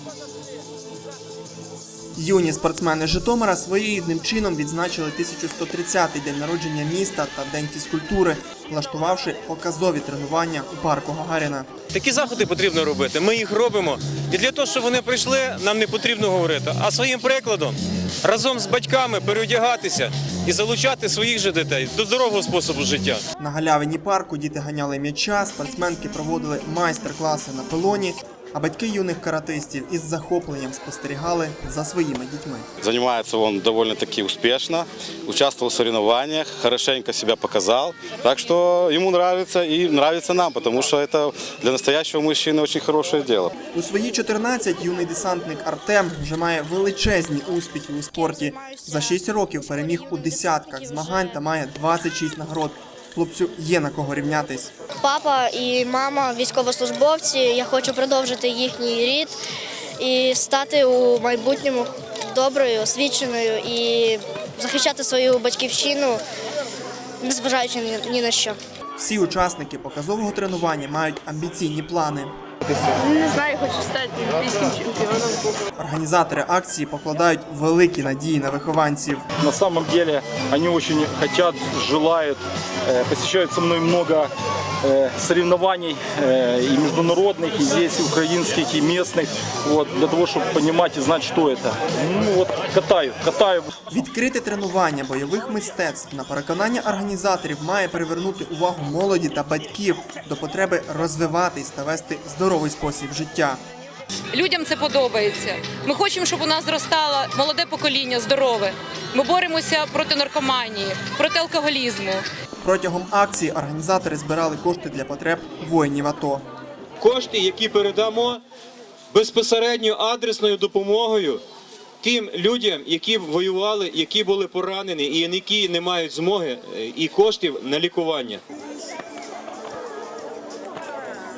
Юні спортсмени Житомира своєрідним чином відзначили 1130-й день народження міста та День фізкультури, влаштувавши показові тренування у парку Гагаріна. Такі заходи потрібно робити, ми їх робимо. І для того, щоб вони прийшли, нам не потрібно говорити, а своїм прикладом разом з батьками переодягатися і залучати своїх же дітей до здорового способу життя. На галявині парку діти ганяли м'яча, спортсменки проводили майстер-класи на пилоні, а батьки юних каратистів із захопленням спостерігали за своїми дітьми. Занимается он довольно-таки успешно, участвовал в соревнованиях, хорошенько себя показал. Так что ему нравится и нравится нам, потому что это для настоящего мужчины очень хорошее дело. У свої 14 юний десантник Артем вже має величезні успіхи у спорті. За 6 років переміг у десятках змагань та має 26 нагород. Хлопцю є на кого рівнятись. Папа і мама військовослужбовці. Я хочу продовжити їхній рід і стати у майбутньому доброю, освіченою і захищати свою батьківщину, незважаючи ні на що. Всі учасники показового тренування мають амбіційні плани. Не знаю, хочу стати олімпійським чемпіоном. Організатори акції покладають великі надії на вихованців. На самом деле они очень хотят, желают, посещают со мной много соревнований и международных, и здесь, и украинских, и местных, вот, для того, чтобы понимать и знать, что это. Ну вот, катаю. Відкрите тренування бойових мистецтв, на переконання організаторів, має привернути увагу молоді та батьків до потреби розвиватись та вести здоровий спосіб життя. Людям це подобається. Ми хочемо, щоб у нас зростало молоде покоління, здорове. Ми боремося проти наркоманії, проти алкоголізму. Протягом акції організатори збирали кошти для потреб воїнів АТО. Кошти, які передамо безпосередньо адресною допомогою тим людям, які воювали, які були поранені і які не мають змоги і коштів на лікування.